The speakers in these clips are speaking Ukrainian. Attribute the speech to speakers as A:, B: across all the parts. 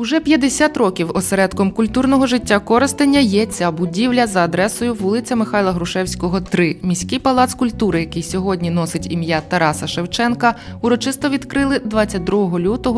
A: Уже 50 років осередком культурного життя Коростеня є ця будівля за адресою вулиця Михайла Грушевського, 3. Міський палац культури, який сьогодні носить ім'я Тараса Шевченка, урочисто відкрили 22 лютого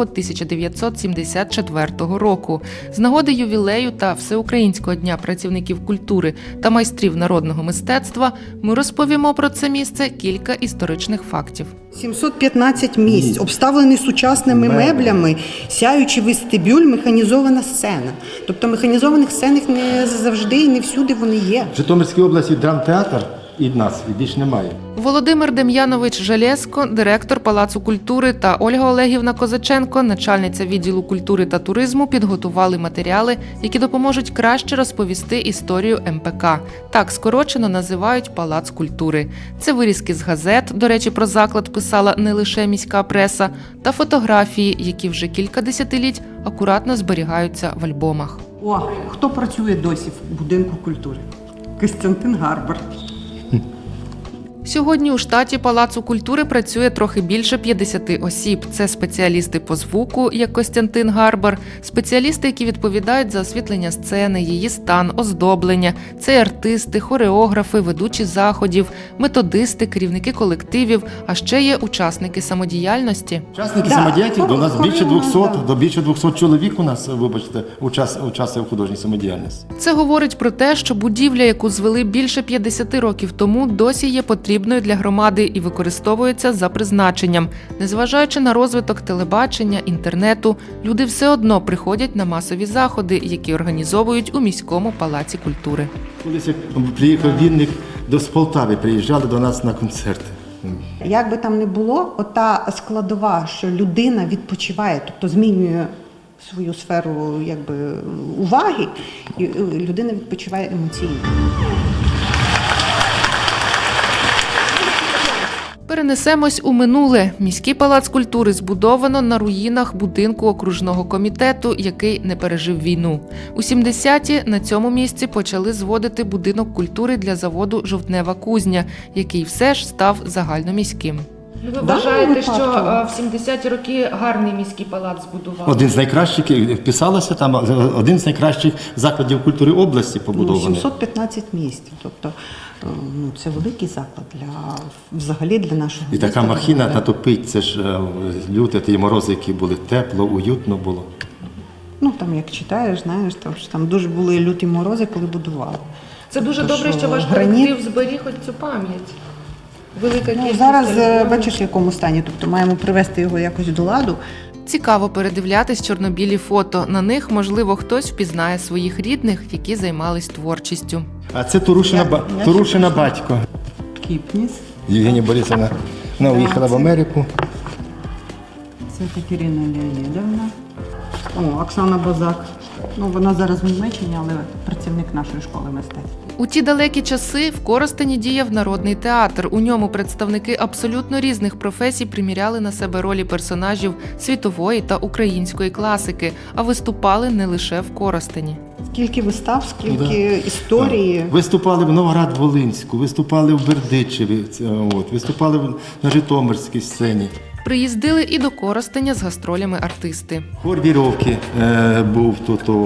A: 1974 року. З нагоди ювілею та Всеукраїнського дня працівників культури та майстрів народного мистецтва ми розповімо про це місце кілька історичних фактів.
B: 715 місць, обставлений сучасними меблями, сяючий вестибюль, механізована сцена. Тобто механізованих сцен не завжди і не всюди вони є.
C: В Житомирській області драмтеатр і нас, і більш немає.
A: Володимир Дем'янович Жалєзко, директор Палацу культури, та Ольга Олегівна Козаченко, начальниця відділу культури та туризму, підготували матеріали, які допоможуть краще розповісти історію МПК. Так скорочено називають Палац культури. Це вирізки з газет, до речі, про заклад писала не лише міська преса, та фотографії, які вже кілька десятиліть акуратно зберігаються в альбомах.
B: О, хто працює досі в будинку культури? Костянтин Гарбар.
A: Сьогодні у штаті Палацу культури працює трохи більше 50 осіб. Це спеціалісти по звуку, як Костянтин Гарбар, спеціалісти, які відповідають за освітлення сцени, її стан, оздоблення. Це артисти, хореографи, ведучі заходів, методисти, керівники колективів, а ще є учасники самодіяльності.
C: Учасники самодіяльності, до нас більше 200 чоловік у нас, вибачте, участвує в художній самодіяльності.
A: Це говорить про те, що будівля, яку звели більше 50 років тому, досі є потрібною для громади і використовується за призначенням. Незважаючи на розвиток телебачення, інтернету, люди все одно приходять на масові заходи, які організовують у міському палаці культури.
C: Колись як приїхав Вінник з Полтави, приїжджали до нас на концерти.
B: Як би там не було, ота складова, що людина відпочиває, тобто змінює свою сферу уваги, і людина відпочиває емоційно.
A: Перенесемось у минуле. Міський палац культури збудовано на руїнах будинку окружного комітету, який не пережив війну. У 70-ті на цьому місці почали зводити будинок культури для заводу «Жовтнева кузня», який все ж став загальноміським. Ви вважаєте, що в 70-ті роки гарний міський палац збудували?
C: Один з найкращих, вписалося там, один з найкращих закладів культури області побудований.
B: 715 місць, тобто це великий заклад взагалі для нашого
C: І така махіна натопить, це ж люте, ті морози, які були, тепло, уютно було.
B: Там як читаєш, знаєш, там дуже були люті морози, коли будували.
A: Це дуже добре, що ваш колектив зберіг ось цю пам'ять. Велика кількість.
B: Зараз бачиш, в якому стані, тобто маємо привести його якось до ладу.
A: Цікаво передивлятись чорно-білі фото. На них, можливо, хтось впізнає своїх рідних, які займались творчістю.
C: А це Турушина батько.
B: Кіпніс.
C: Євгенія Борисовна, вона уїхала в Америку.
B: Це Катерина Леонідовна. Оксана Базак. Вона зараз в Німеччині, але працівник нашої школи мистецтв.
A: У ті далекі часи в Коростені діяв народний театр. У ньому представники абсолютно різних професій приміряли на себе ролі персонажів світової та української класики, а виступали не лише в Коростені.
B: Скільки вистав, скільки історії.
C: Виступали в Новоград-Волинську, виступали в Бердичеві, виступали на Житомирській сцені.
A: Приїздили і до Коростеня з гастролями артисти.
C: Хор Віровки був тут,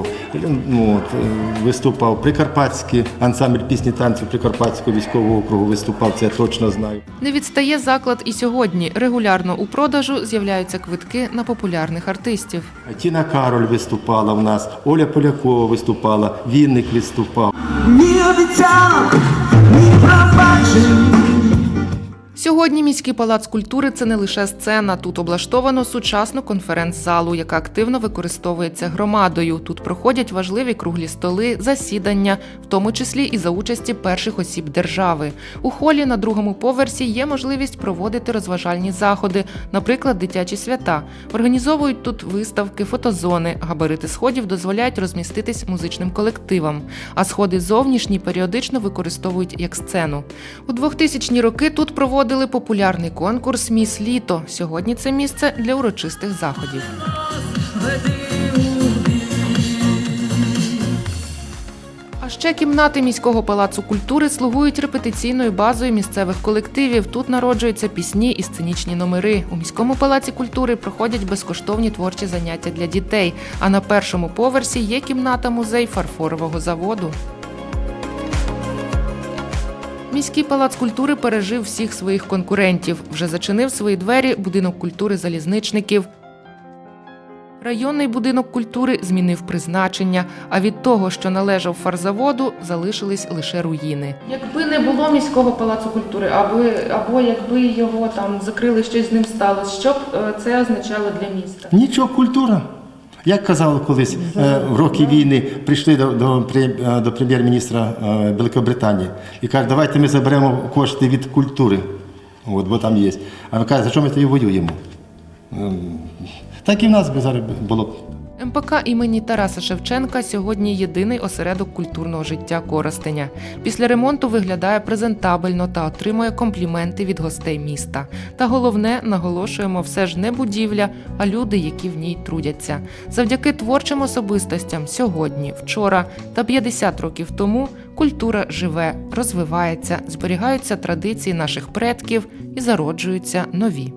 C: виступав Прикарпатський ансамбль пісні танців Прикарпатського військового округу виступав, це я точно знаю.
A: Не відстає заклад і сьогодні. Регулярно у продажу з'являються квитки на популярних артистів.
C: Тіна Кароль виступала в нас, Оля Полякова виступала, Вінник виступав.
D: Ні обіцянок, ні пробачень.
A: Сьогодні міський палац культури – це не лише сцена. Тут облаштовано сучасну конференц-залу, яка активно використовується громадою. Тут проходять важливі круглі столи, засідання, в тому числі і за участі перших осіб держави. У холі на другому поверсі є можливість проводити розважальні заходи, наприклад, дитячі свята. Організовують тут виставки, фотозони. Габарити сходів дозволяють розміститись музичним колективам. А сходи зовнішні періодично використовують як сцену. У 2000-ні роки тут проводили популярний конкурс «Міс Літо». Сьогодні це місце для урочистих заходів. А Ще кімнати міського палацу культури слугують репетиційною базою місцевих колективів. Тут народжуються пісні і сценічні номери. У міському палаці культури проходять безкоштовні творчі заняття для дітей. А на першому поверсі є кімната-музей фарфорового заводу. Міський палац культури пережив всіх своїх конкурентів. Вже зачинив свої двері будинок культури залізничників. Районний будинок культури змінив призначення, а від того, що належав фарзаводу, залишились лише руїни. Якби не було міського палацу культури, або якби його там закрили, щось з ним сталося, що б це означало для міста?
C: Нічого, культура. Як казали колись, в роки війни прийшли до прем'єр-міністра Великобританії і кажуть, давайте ми заберемо кошти від культури, бо там є. А він каже, за що ми тоді воюємо? Так і в нас би зараз було.
A: МПК імені Тараса Шевченка сьогодні єдиний осередок культурного життя Коростеня. Після ремонту виглядає презентабельно та отримує компліменти від гостей міста. Та головне, наголошуємо, все ж не будівля, а люди, які в ній трудяться. Завдяки творчим особистостям сьогодні, вчора та 50 років тому культура живе, розвивається, зберігаються традиції наших предків і зароджуються нові.